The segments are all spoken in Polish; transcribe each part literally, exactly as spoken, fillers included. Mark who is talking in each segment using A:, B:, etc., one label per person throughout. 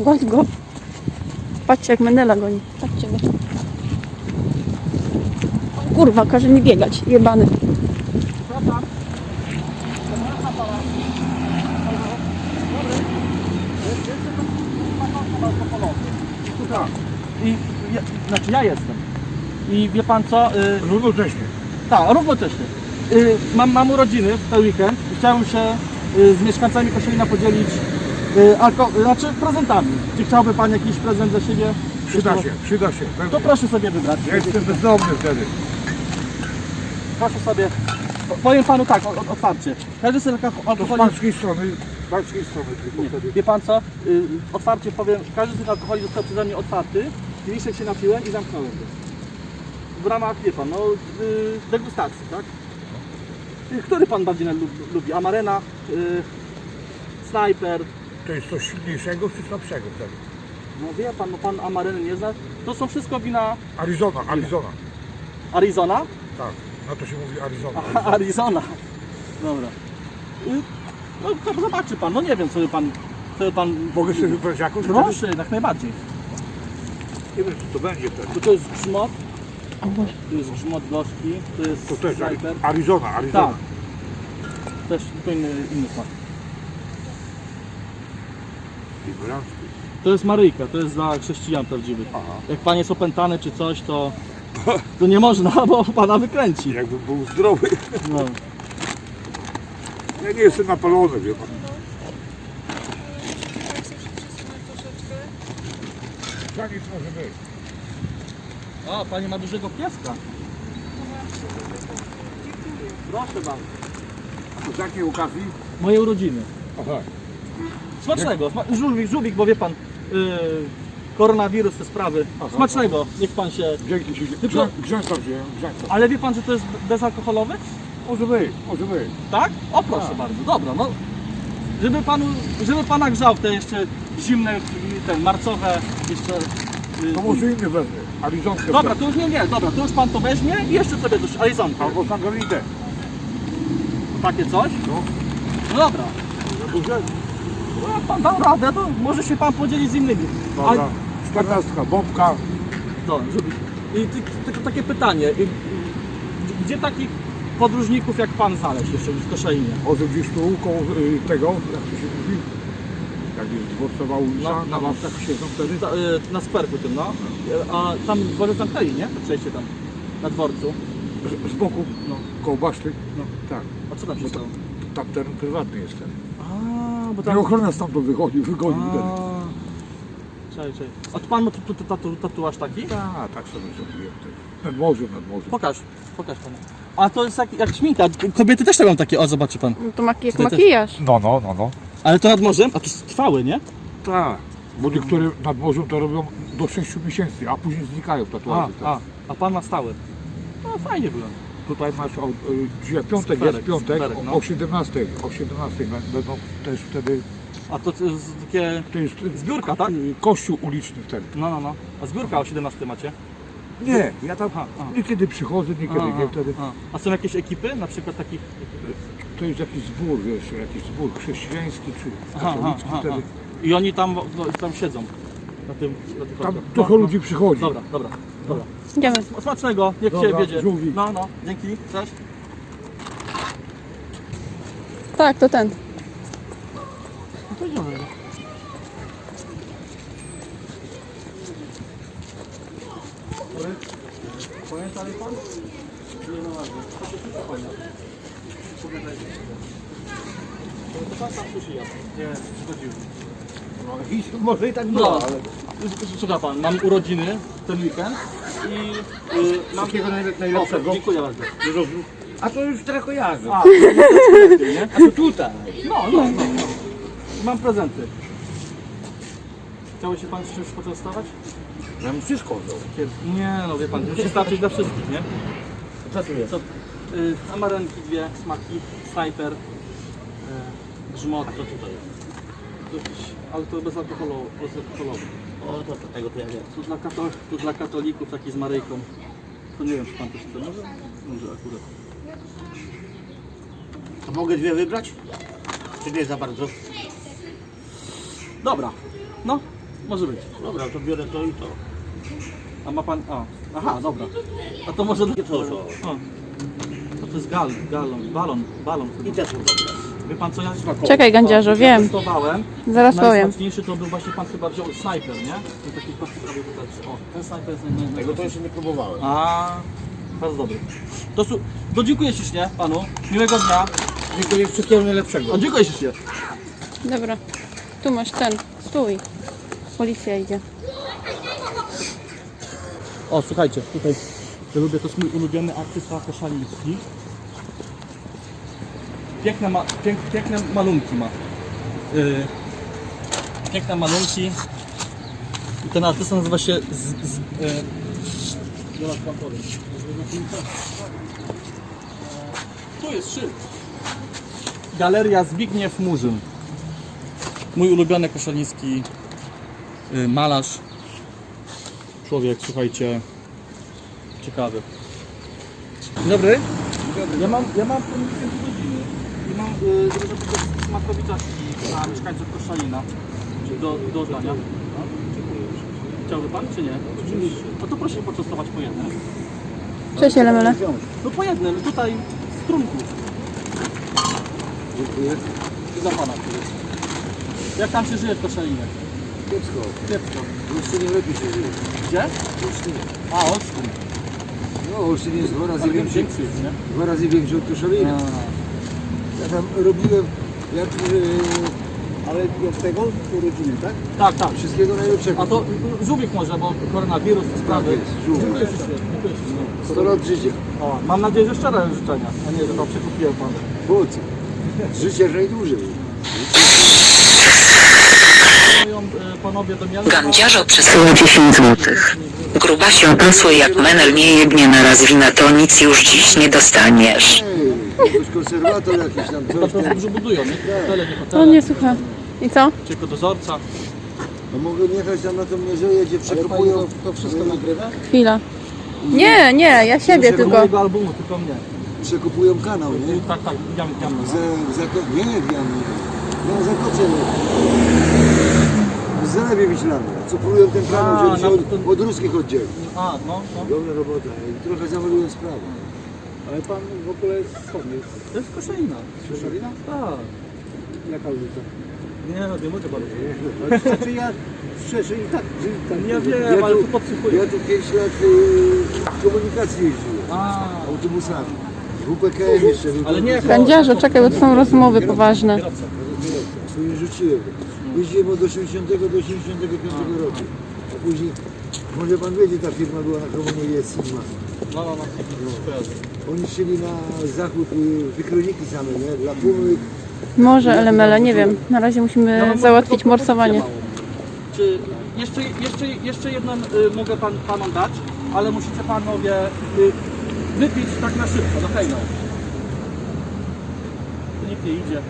A: Goń go. Patrzcie jak Menela goni. Patrzcie go. Kurwa, każe mi biegać. Jebany.
B: I ja, znaczy ja jestem. I wie pan co? Y,
C: Równocześnie.
B: tak, równocześnie. Y, mam, mam urodziny w ten weekend i chciałem się y, z mieszkańcami Koszalina podzielić y, alko, znaczy prezentami. Czy chciałby pan jakiś prezent dla siebie?
C: Przyda się, przyda się.
B: To proszę sobie wybrać.
C: Ja jestem bezdomny wtedy.
B: Proszę sobie. Powiem panu tak, o- o- otwarcie. Każdy sobie
C: To z
B: alkoholi.
C: pańskiej strony, z pańskiej strony tylko wtedy.
B: Wie pan co? Y, otwarcie powiem, każdy z tych alkoholi został przeze mnie otwarty. Kieliszek się napiłem i zamknąłem go. W ramach, wie pan, no, y, degustacji, tak? Y, Który pan bardziej lu- lubi? Amarena, y, Snajper.
C: To jest coś silniejszego czy słabszego wtedy?
B: No wie pan, no pan Amareny nie zna. To są wszystko wina
C: Arizona, Arizona.
B: Arizona.
C: Tak, na to się mówi Arizona.
B: Aha, Arizona. Dobra. Y, no to zobaczy pan, no nie wiem co by pan, co by pan...
C: Mogę sobie wybrać jakąś?
B: Proszę, jak najbardziej.
C: Nie wiem, co to będzie wtedy.
B: To, to jest grzmot. Tu jest grzmot gorzki, to jest
C: To też
B: Snajper.
C: Arizona, Arizona.
B: Tak. Też tylko inny, inny smak.
C: Ignorancki.
B: To jest Maryjka, to jest dla chrześcijan prawdziwych.
C: Aha.
B: Jak pan jest opętany czy coś, to, to nie można, bo pana wykręci.
C: Jakbym był zdrowy.
B: No.
C: Ja nie jestem napalony, wie pan. Tak nic może być.
B: O, pani ma dużego pieska. Proszę bardzo.
C: A z jakiej okazji?
B: Moje urodziny.
C: Aha.
B: Smacznego. Sma żółwik, żółwik, bo wie pan, yy, koronawirus, te sprawy.
C: Aha.
B: Smacznego, niech pan się...
C: Dzięki ci.
B: Tylko-
C: Grzę- Grzęta wziąłem, grzęta.
B: Ale wie pan, że to jest bezalkoholowy?
C: Może być, może być.
B: Tak? O proszę
C: Tak.
B: bardzo, dobra, no. Żeby panu, żeby pana grzał te jeszcze zimne, te marcowe, jeszcze... yy,
C: To może inny wezmę. Arizonkę.
B: Dobra,
C: wezmę.
B: to już nie, nie, dobra, to już pan to weźmie i jeszcze sobie coś, Arizonkę.
C: Albo Sangalidę.
B: Takie coś?
C: No.
B: No dobra.
C: Za duże?
B: No, jak pan dał radę, to może się pan podzielić z innymi.
C: Dobra. Czternastka, bombka.
B: Dobra, żeby... I ty, tylko takie pytanie, y, y, gdzie takich podróżników jak pan znaleźć jeszcze w Koszalinie?
C: Może gdzieś tu koło y, tego, jak to się mówi? Jak jest dworcowa ulica,
B: No,
C: na
B: no.
C: ławkach siedzą wtedy.
B: Ta, y, na skwerku tym, no. Y, A tam dworzec zamknęli, nie? To przejście tam, na dworcu.
C: Z, z boku,
B: No.
C: koło baszty.
B: No.
C: Tak.
B: A co tam się stało?
C: Tam teren prywatny jest ten.
B: A, bo
C: I
B: tam...
C: ochrona stamtąd wychodzi, wygoni wtedy.
B: Czekaj, czekaj. A to pan ma tu, tu, tu, tatu, tatuaż taki?
C: Tak, tak sobie zrobiłem. wtedy. Nad morzem, nad morzem.
B: Pokaż, pokaż pan. A to jest jak, jak szminka. Kobiety też mają takie, o zobaczy pan.
A: No to maki jak
B: Ty też.
A: makijaż.
C: No, no, no, no.
B: Ale to nad morzem? A to jest trwały, nie?
C: Tak. Bo niektóre nad morzem to robią do sześciu miesięcy, a później znikają
B: A,
C: tatuaże.
B: a, a pan ma stały. No fajnie było.
C: Tutaj masz o, y, dzisiaj piątek
B: Skwerek,
C: jest piątek,
B: skwerek,
C: o-
B: no.
C: o siedemnastej, o siedemnastej bę- będą też wtedy,
B: A to jest takie...
C: to jest y,
B: Zbiórka, tak?
C: y, kościół uliczny wtedy.
B: No, no, no. A zbiórka o siedemnastej macie?
C: Nie, ja tam
B: Aha, aha.
C: niekiedy przychodzę, niekiedy
B: A,
C: nie wtedy.
B: a. A są jakieś ekipy, na przykład takich...
C: To jest jakiś zbór, wiesz, jakiś zbór chrześcijański czy
B: Aha,
C: katolicki
B: aha,
C: wtedy.
B: aha. I oni tam, no, tam siedzą. Na tym, na tych
C: Tam
B: orkach.
C: trochę
B: No, no.
C: ludzi przychodzi.
B: Dobra, dobra, dobra.
A: Idziemy.
B: Smacznego, niech
C: Dobra,
B: się wiedzie.
C: żółwik.
B: No, no, dzięki. Cześć.
A: Tak, to ten.
B: No to idziemy. Pamięta mi pan? Nie, no ładnie. To się wszystko pamięta. Pogadajcie sobie. To pan tam sushi jadł. Nie, zgodziłem.
C: No, i może i tak
B: No,
C: było, ale
B: słucha pan, mam urodziny ten weekend i yy, mam...
C: Wszystkiego najle- najlepszego.
B: O, dziękuję bardzo.
C: A to już teraz kojarzę.
B: A, to lepiej, nie?
C: A to tutaj.
B: No, no, no, no. Mam prezenty. Chciałby się pan z czymś poczęstować?
C: Ja bym wszystko wziął.
B: Nie, no wie pan, musi starczyć dla wszystkich, nie?
C: Co tu jest?
B: Co? Y, amarenki dwie, smaki, snajper, y, grzmot. A to tutaj jest? To jakiś, ale to bezalkoholowy. bezalkoholowy.
D: O, to, to tego to ja wiem.
B: Tu dla, kato, tu dla katolików, taki z Maryjką. To nie wiem, czy pan też chce. Może? Może akurat.
D: A mogę dwie wybrać? Czy nie za bardzo?
B: Dobra, no, Może być.
D: Dobra, to biorę to i to.
B: A ma pan... A, aha, dobra. A to może...
D: I to, to.
B: O. To, to jest gal, galon, balon, balon.
D: I te są dobre.
B: Wie pan co, ja
A: Czekaj, Gandziarzu,
B: ja
A: wiem.
B: testowałem.
A: Zaraz powiem.
B: Najsmaczniejszy to był właśnie pan chyba wziął snajper, nie? I taki patrz, robię tutaj. O, ten snajper jest naj, naj,
D: Tego to jeszcze nie próbowałem.
B: A, bardzo dobry. To, su- to dziękuję ślicznie panu. Miłego dnia.
C: Dziękuję, wszystkiego najlepszego.
B: O, dziękuję ślicznie.
A: Dobra. Tu masz ten. Stój. Policja idzie.
B: O, słuchajcie, tutaj ja lubię, to jest mój ulubiony artysta Koszaliński. Piękne, ma, pięk, piękne malunki ma. Yy, piękne malunki. I ten artysta nazywa się z, z, yy, zaraz wam powiem. Tu jest szyld. Galeria Zbigniew Murzyn. Mój ulubiony koszaliński yy, malarz. Człowiek, słuchajcie, ciekawy. Dzień dobry. Ja mam, ja mam pomysł godziny i mam y, żeby smakowita dla mieszkańców Koszalina do, do oddania. No, chciałby pan czy nie? Oczywiście. No to proszę poczęstować po jednym.
A: Cześć, Elemele.
B: No po jednym, tutaj z trunku.
C: Dziękuję.
B: I za pana. Jak tam się żyje w Koszalinie?
C: Kiepsko.
B: Kiepsko.
C: W Olsztynie lepiej się żyje.
B: Gdzie?
C: W Olsztynie.
B: A, Olsztyn.
C: No, Olsztyn jest dwa razy
B: Ale
C: większy,
B: większy jest, nie?
C: dwa razy większy od Koszalina. Ja tam robiłem, jak, yy, ale jak tego, urodziny, tak?
B: Tak, tak.
C: Wszystkiego najlepszego.
B: A to żółwik może, bo koronawirus, te sprawy.
C: jest, żółwik.
B: Dziękuję ślicznie, dziękuję ślicznie.
C: sto lat życia.
B: O, mam nadzieję, że szczere życzenia, a nie, że to przekupiłem pan.
C: Po co? Życie najdłużej.
B: Moją e, panowie do miasta.
E: Gandziarzo przysyła dziesięć złotych. Gruba się pasły jak menel nie jebnie na raz wina, to nic już dziś nie dostaniesz.
C: Ej, jakiś konserwator jakiś tam,
B: To
C: coś
B: to
C: tam.
B: dobrze budują, nie? Hotele, nie
A: On
B: hotele.
A: nie słucha. I co?
B: Tylko dozorca.
C: No mogę jechać tam na tą mierzeję, gdzie przekopują. To wszystko nagrywa?
A: Chwila. Nie, nie, ja siebie
B: Tego
A: tylko.
B: mojego albumu, tylko mnie.
C: Przekopują kanał, nie?
B: Tak, tak, jam, jam.
C: W, za- w zako- nie, w jamie. No, zakocie. W Zalewie Wiślanym. Co próbują ten
B: A,
C: kanał, żeby się
B: na-
C: od,
B: to-
C: od ruskich oddzielić.
B: A, no, no.
C: Dobra robota. I trochę zamalują sprawę.
F: Ale pan w ogóle jest skąd jest?
B: To jest Koszalina.
F: Koszalina?
B: Tak.
F: Jaka ulica?
B: Nie, no, nie mogę bardzo.
F: Ale znaczy ja szczerze i tak... tak
B: Ja wiem,
C: Ja
B: ale
C: tu-
B: tu podsłuchuję.
C: Ja tu pięć lat y, komunikacji jeździłem.
B: A,
C: Autobusami. W P K M jeszcze. był
B: ale nie...
C: autobus.
A: Gandziarzu, czekaj, bo to są rozmowy poważne.
B: Kierowca.
C: Tu nie rzuciłem. Jeździłem od osiemdziesiątego do osiemdziesiątego piątego roku. A później, może pan wie, gdzie ta firma była na komunie, jest Sigma.
B: No, no, no. Kojarzę.
C: Oni szli na zachód y, wykroniki same, nie? Dla pumy.
A: Może Elemele, nie wiem. Na razie
B: Ja
A: musimy
B: mam
A: załatwić
B: tylko
A: morsowanie.
B: propozycję małą. Czy jeszcze, jeszcze, jeszcze jedną y, mogę pan, panom dać, ale musicie panowie y, wypić tak na szybko, do hejno. Tu nikt nie idzie.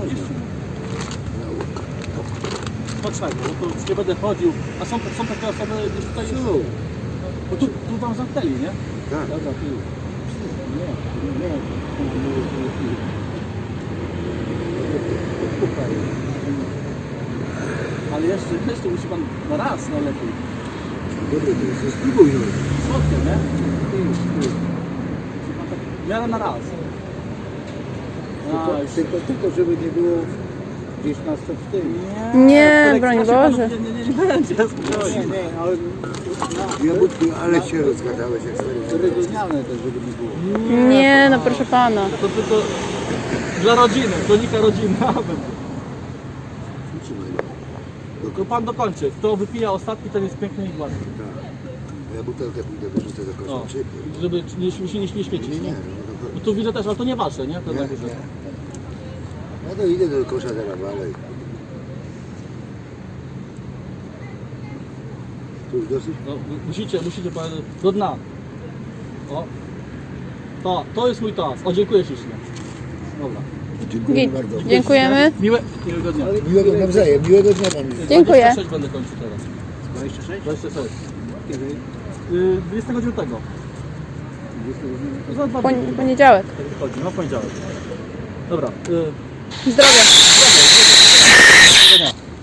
B: Poczekaj, bo tu już nie będę chodził. A są, są takie osoby gdzieś tutaj...
C: Co?
B: Bo tu, tu wam zamknęli, nie?
C: Tak.
B: Dobra, tu.
F: Nie, nie, nie.
B: Ale jeszcze, jeszcze musi pan na raz najlepiej.
C: Dobra, to jest spróbuj no.
B: Słodkie, nie? Musi pan tak w miarę na raz. A,
F: Tylko,
B: już.
F: tylko, tylko żeby nie było gdzieś nas to w tym.
A: Nie,
B: to
A: broń
B: lekceważy
A: Boże.
B: panów Nie, nie, nie, nie będzie,
F: Nie,
B: spokojnie.
F: nie, ale
C: Jabłotki, ale się rozgadałeś jak stary.
F: wyróżniane też, żeby nie było.
A: Nie, no proszę pana.
B: To tylko dla rodziny, kronika rodzinna.
C: Trzymaj go.
B: To pan dokończy. Kto wypija ostatni, ten jest piękny i gładki.
C: Tak. Ja butelkę pójdę wyrzucę do kosza.
B: O,
C: Czy-
B: żeby nie, się nie, nie śmiecić.
C: Nie, nie,
B: Nie?
C: no,
B: No tu widzę też, ale to nie wasze, nie? To
C: Nie,
B: na górze.
C: nie. Ja to idę do kosza teraz dalej. To już dosyć?
B: No, musicie, musicie powiedzieć do dna. O. To, to jest mój tas. O, dziękuję ślicznie. Dobra.
C: Dziękuję
A: Git.
C: bardzo.
A: Dziękujemy.
B: Miłe, miłego dnia.
C: Miłego nawzajem, miłego dnia panu.
A: Dziękuję.
B: dwadzieścia sześć będę kończył teraz.
F: dwadzieścia sześć?
B: dwadzieścia sześć.
F: Kiedy?
B: Yy, dwudziestego dziewiątego. Za dwa
A: Pon-
B: dni.
A: poniedziałek.
B: Tak wychodzi, no w poniedziałek. Dobra. Yy,
A: Zdrowia.
B: miłego dnia.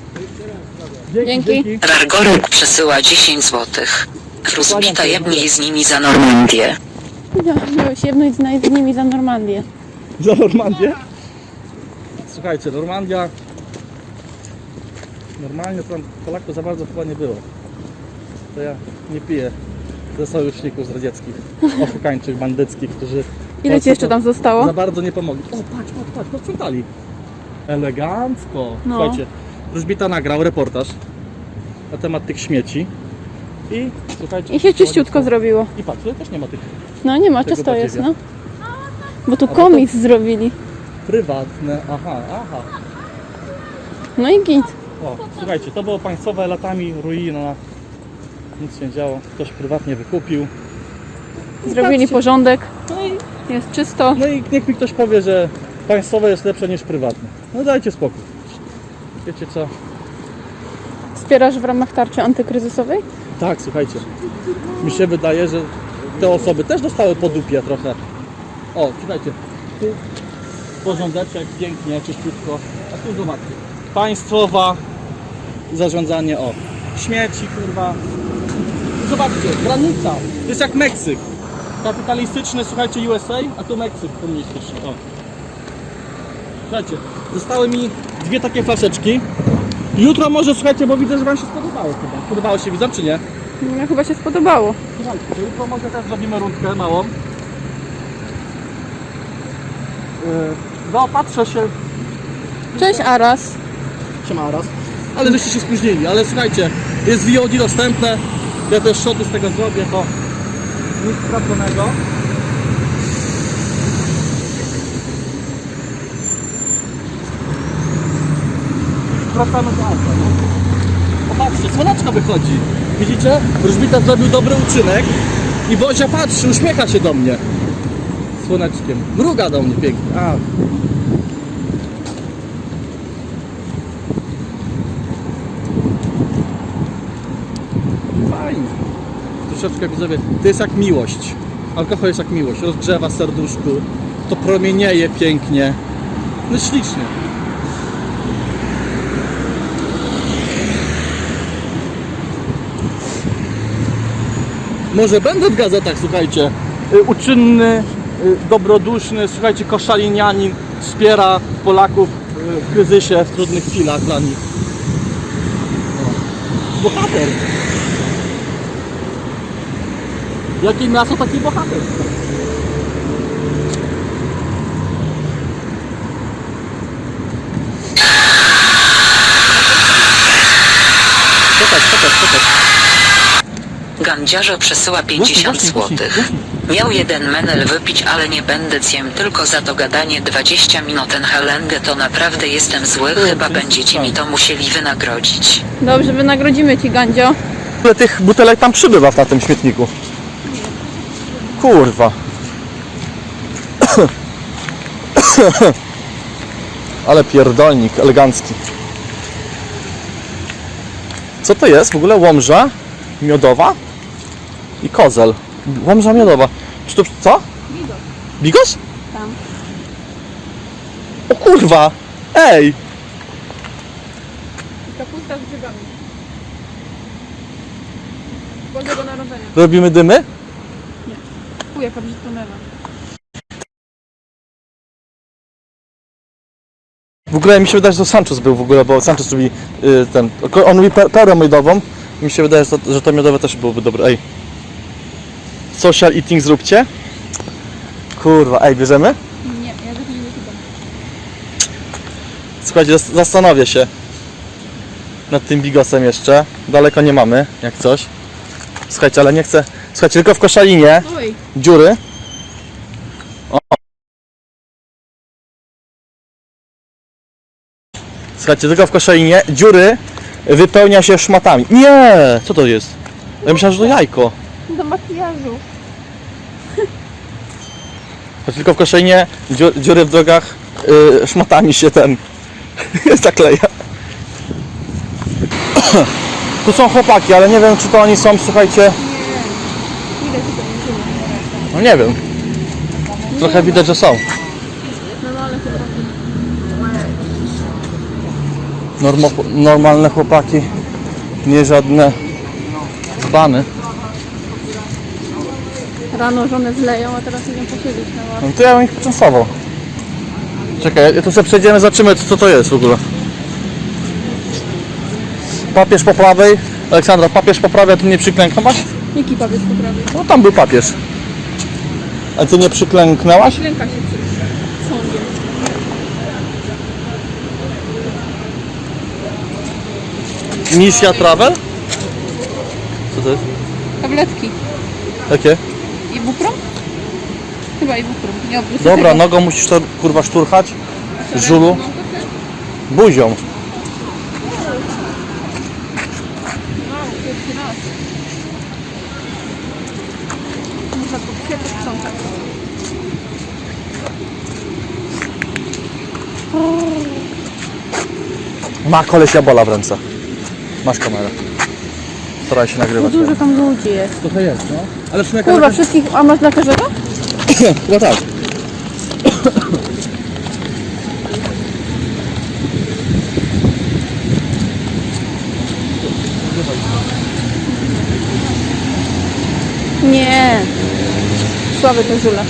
A: Dzięki.
E: Rargorek przesyła dziesięć złotych. Rozbita jebnij z nimi za Normandię.
A: Ja, miałeś jedność z nimi za Normandię.
B: Za Normandię? Słuchajcie, Normandia... Normalnie tam Polaków za bardzo chyba nie było. To ja nie piję ze sojuszników z radzieckich, oszukańczych, bandyckich, którzy...
A: Ile ci jeszcze tam zostało?
B: Za bardzo nie pomogli. O, patrz, patrz, patrz, posprzątali. Elegancko.
A: No.
B: Słuchajcie, Wróżbita nagrał reportaż na temat tych śmieci. I słuchajcie...
A: I się czyściutko zrobiło.
B: I patrz, tutaj też nie ma tych
A: No nie ma,
B: Tego
A: czysto jest,
B: badziewia.
A: no. Bo tu
B: bo
A: komis zrobili.
B: prywatne. Aha, aha.
A: No i git.
B: O, słuchajcie, to było państwowe, latami ruina. Nic się nie działo. Ktoś prywatnie wykupił.
A: Zrobili
B: Patrzcie.
A: porządek.
B: No i,
A: Jest czysto.
B: no i niech mi ktoś powie, że państwowe jest lepsze niż prywatne. No dajcie spokój. Wiecie co?
A: Wspierasz w ramach tarczy antykryzysowej?
B: Tak, słuchajcie. Mi się wydaje, że te osoby też dostały po dupie trochę. O, słuchajcie. Tu porządeczek, pięknie, czyściutko. A tu zobaczcie. Państwowa zarządzanie, o. Śmieci, kurwa. Zobaczcie, granica. To jest jak Meksyk. Kapitalistyczny, słuchajcie, U S A, a tu Meksyk komunistyczny. O. Słuchajcie, zostały mi dwie takie flaszeczki. Jutro może, słuchajcie, bo widzę, że wam się spodobało chyba. Podobało się, widzą, czy nie?
A: Mnie chyba się spodobało.
B: Słuchajcie, to jutro może też zrobimy rundkę małą. Yy, zaopatrzę się.
A: Cześć Aras.
B: Siema raz. Ale żeście się spóźnili, ale słuchajcie, jest V O D dostępne. Ja też shoty z tego zrobię, to nic straconego. Wracamy do auta. No. Popatrzcie, słoneczko wychodzi. Widzicie? Wróżbita zrobił dobry uczynek i Bozia patrzy, uśmiecha się do mnie. Słoneczkiem. Mruga do mnie pięknie. A. Fajnie. Troszeczkę widzowie, to jest jak miłość. Alkohol jest jak miłość. Rozgrzewa serduszku. To promienieje pięknie. No ślicznie. Może będę w gazetach, słuchajcie. Y, Uczynny, y, dobroduszny, słuchajcie, koszalinianin wspiera Polaków y, w kryzysie, w trudnych chwilach dla nich. O. Bohater. Jakie miasto, taki bohater. Czekaj, czekaj, czekaj.
E: Gandziarzo przesyła pięćdziesiąt złotych. Miał jeden menel wypić, ale nie będę ciem, tylko za to gadanie dwadzieścia minut. Ten Helengę to naprawdę jestem zły, chyba będziecie mi to musieli wynagrodzić.
A: Dobrze, wynagrodzimy ci, Gandzio.
B: Ile tych butelek tam przybywa na tym śmietniku? Kurwa. Ale pierdolnik elegancki. Co to jest? W ogóle łomża miodowa i kozel. Łomża miodowa. Czy to co? Bigos. Bigos?
A: Tam.
B: O kurwa! Ej!
A: Kapusta z grzybami. Bożego Narodzenia.
B: Robimy dymy?
A: Fuj, jaka brzydka mewa.
B: W ogóle mi się wydaje, że to Sanchez był w ogóle, bo Sanchez lubi y, ten. On lubi pe- perę miodową. Mi się wydaje, że to, że to miodowe też byłoby dobre. Ej. Social eating zróbcie. Kurwa, ej, bierzemy?
A: Nie, ja tak nie wyglądam.
B: Słuchajcie, zas- zastanowię się nad tym bigosem jeszcze. Daleko nie mamy, jak coś. Słuchajcie, ale nie chcę. Słuchajcie, tylko w koszalinie
A: Oj,
B: dziury. O. Słuchajcie, tylko w koszalinie dziury wypełnia się szmatami. Nie! Co to jest? Ja myślałem, że to jajko.
A: do makijażu.
B: Tylko w koszalinie dziur, dziury w drogach yy, szmatami się ten zakleja. Tu są chłopaki, ale nie wiem, czy to oni są, słuchajcie.
A: Ile ci to nie
B: No nie wiem. Trochę widać, że są.
A: No, no ale chyba.
B: Normo, normalne chłopaki, nie żadne dzbany.
A: Rano żonę zleją, a teraz idą posiedzieć na ławce.
B: No to ja bym ich poczęstował. Czekaj, tu sobie przejdziemy, zobaczymy co to jest w ogóle. Papież po prawej. Aleksandra, papież po prawej, a ty nie przyklęknęłaś?
A: Jaki papież po prawej?
B: No tam był papież. A ty nie przyklęknęłaś?
A: Klęka się przy sądzie.
B: Misja Travel? Co to jest?
A: Tabletki.
B: Jakie?
A: Ibuprom? Chyba Ibuprom. Nie obrócę
B: Dobra,
A: tego.
B: nogą musisz to kurwa szturchać. Żulu. Buzią.
A: Wow, pierwszy raz. Można to się posprzątać.
B: Ma koleś jabola w ręce. Masz kamerę. Staraj się nagrywać.
A: Dużo tam ludzi jest.
B: Trochę jest, no. Ale w sumie
A: Kurwa, wszystkich, a masz dla każdego?
B: chyba tak.
A: Nie. Słaby to żule.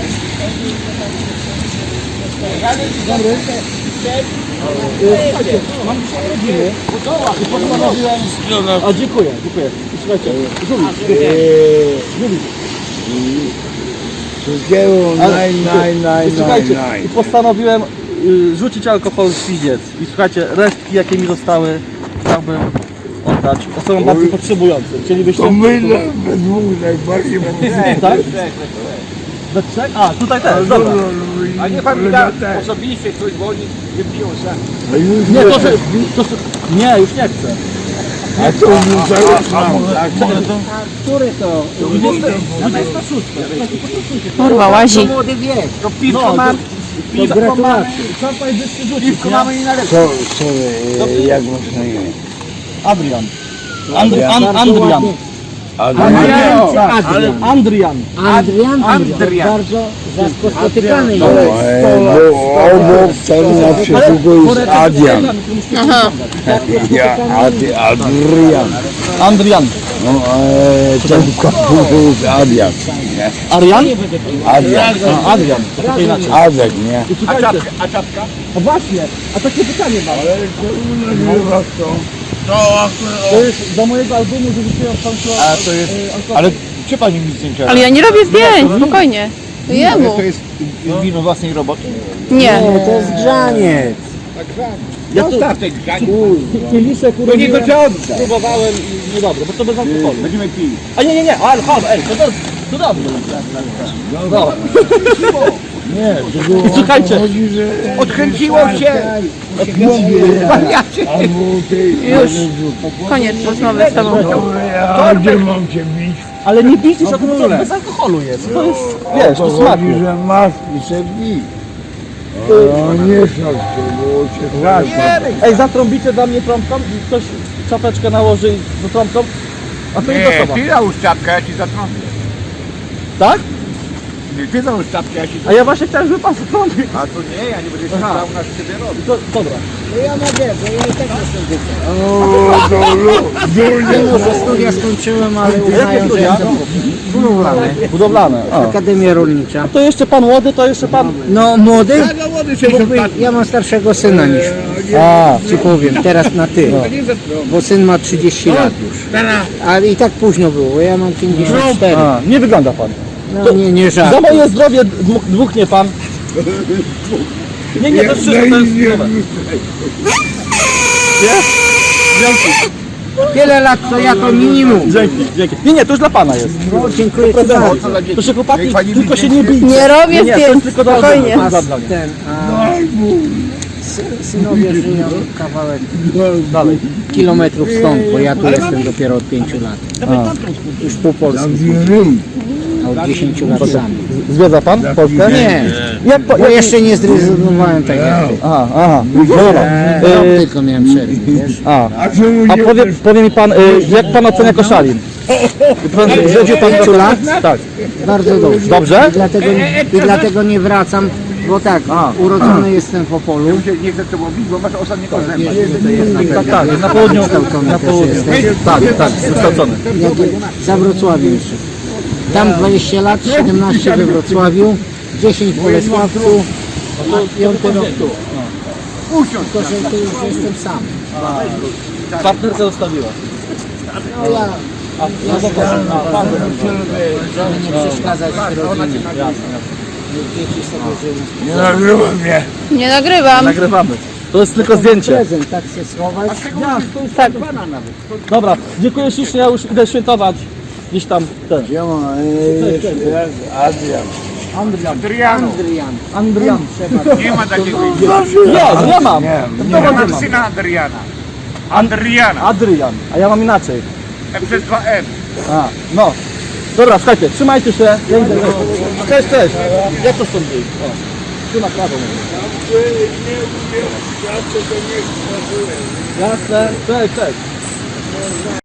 B: A dziękuję, dziękuję. I słuchajcie, Żuli. Żuli.
C: Wszystkiego naj, naj, naj,
B: I słuchajcie,
C: naj, naj.
B: i postanowiłem y, rzucić alkohol w piździec. I słuchajcie, resztki jakie mi zostały chciałbym oddać osobom bardziej potrzebującym. Chcielibyście...
C: To my we dwóch najbardziej
B: Tak? We trzech? A, tutaj też, dobra.
C: A nie pan da
F: Osobiście ktoś dzwoni, nie piją sam.
B: Nie, to, że, to, że, nie, już nie chcę.
C: A to już tak.
F: Który to?
B: dwudziesta szósta.
A: Kurwa, łazi.
F: Młody wiek, to piwko
B: No,
F: mam.
B: to
F: gratulacje.
B: Trzeba powiedzieć, że rzucić,
F: Piwko
B: nie?
F: mamy i na lepsze.
C: Co, co, e, jak masz na imię?
B: Adrian. And, an, Andrian.
F: Adrian.
B: Ale Andrian.
F: Adrian? Adrian. Bardzo rzadko spotykany jest.
C: E, bo obok tam na przykład jest Adrian.
A: Aha.
C: Ja, Adi, Adrian.
B: Andrian.
C: No, e, ten kapurze jest Adrian. Nie?
B: Arian?
C: Adrian.
B: A, Adrian. To inaczej.
C: Adek, nie?
B: I słuchajcie, a czapka? A właśnie, a takie pytanie mam. To jest do mojego albumu, że wrzuciłem w końcu...
C: A to jest, ale czy pani mi zdjęcia?
A: Ale ja nie robię zdjęć, spokojnie. To jemu.
C: To jest wino własnej roboty?
A: Nie.
F: To jest grzaniec.
B: Ja tu kieliszek urodziłem, próbowałem i niedobre, bo to bez alkoholu.
C: Będziemy pili.
B: A nie, nie, nie, alkohol, ej, to, to, to dobrze. No.
C: Nie, to było
B: I słuchajcie,
C: chodzi, że
F: Odkręciło się. Wariacie.
C: albo tej...
A: Już. Koniec rozmowy z tobą.
C: Ja gdzie mam cię bić?
B: ale nie bijcie się, to to bez alkoholu jest. To jest, wiesz, to
C: Chodzi,
B: smakuje.
C: że masz i se bij. O, nie szok się, było cię strasznie.
B: Ej, zatrąbicie dla mnie trąbką i ktoś czapeczkę nałoży do trąbką, a to jest osoba.
D: załóż czapkę, ja ci zatrąbię.
B: Tak?
D: Nie, ty załóż czapkę, ja ci
B: A ja właśnie chciałem, żeby pan zatrąbił.
D: A to nie, ja nie będę się stał na siebie robić.
B: To, dobra.
F: No ja mogę, bo ja i tak jestem wycie.
C: O, do lu-
F: Mimo, że studia skończyłem, ale
B: Jakie
F: uznają, że
B: studia?
F: jestem budowlany.
B: Budowlane. A.
F: Akademia Rolnicza.
B: To jeszcze pan młody, to jeszcze pan...
F: No młody?
D: No młody
F: Mógłby, ja mam starszego syna niż
B: A,
F: ci powiem, teraz na ty. Bo syn ma trzydzieści lat już. Ale i tak późno było, bo ja mam pięćdziesiąt cztery.
B: a, nie wygląda pan.
F: No nie, nie żart.
B: Za moje zdrowie dmuch- dmuchnie pan. Nie, nie, to wszystko to jest zdrowe. Nie? Dzięki,
F: Tyle lat co ja to minimum.
B: dzięki, dzięki. Nie, nie, to już dla pana jest.
F: No, dziękuję ci bardzo.
B: Proszę chłopaki,
D: Niech pani
B: tylko
D: mi
B: się nie bijcie.
A: Nie robię
B: Nie, to jest
A: zdjęć,
B: tylko do
A: spokojnie.
B: rozmowy.
F: A
B: Dla mnie.
F: ten, a sy- synowie żyją kawałek
B: Dalej.
F: kilometrów stąd, bo ja tu jestem dopiero od pięciu lat. Już pół Polski, a od dziesięciu lat sam.
B: Zwiedza pan Polskę?
F: Nie,
B: Jak po,
F: bo
B: jak...
F: jeszcze nie zrezygnowałem tak jak ty.
B: Aha, aha, dobra.
F: Rok
B: Y,
F: tylko miałem przerwę, wiesz?
B: a,
C: A czemu
B: a
C: nie
B: powie, powie mi pan, y, jak pan ocenia Koszalin? Pan, zwiedził pan
F: Pięciu lat?
B: Tak.
F: Bardzo dobrze.
B: Dobrze?
F: I dlatego, i dlatego nie wracam, Bo tak,
B: A.
F: urodzony jestem w Opolu.
D: Ja się nie chcę to mówić, bo masz ostatniego zęba.
F: To jest na
B: Tak, tak, na południu, na południu. Tak, tak, wykształcony.
F: Za Wrocławiem jeszcze. Tam dwadzieścia lat, siedemnaście we Wrocławiu, dziesięć w Bolesławcu, a piąty rok tu.
D: Usiądź.
F: Tylko, że tu już jestem sam.
B: Partnerkę zostawiła.
F: No ja, ja żeby nie przeszkadzać rodzinie. Dzieci sobie żyją.
D: Nie nagrywa mnie.
A: Nie nagrywam.
B: Nagrywamy. To jest tylko zdjęcie.
F: Prezent, tak się schować.
A: Tak.
B: Dobra, dziękuję ślicznie, ja już idę świętować. Gdzieś tam ten.
C: Siema, Adrian.
B: Andrian.
D: Adriano.
F: Adrian.
B: Andrian.
D: Nie ma takiego
B: Nie, nie mam.
D: Ja
B: Nie
D: mam
B: mam.
D: syna Adriana. Adriana.
B: Adrian, a ja mam inaczej.
D: E przez dwa M.
B: A, no. Dobra, słuchajcie, trzymajcie się. Ja idę. Cześć, cześć. Jak to stąd wyjść? O, tu na prawo. Jasne, cześć, cześć.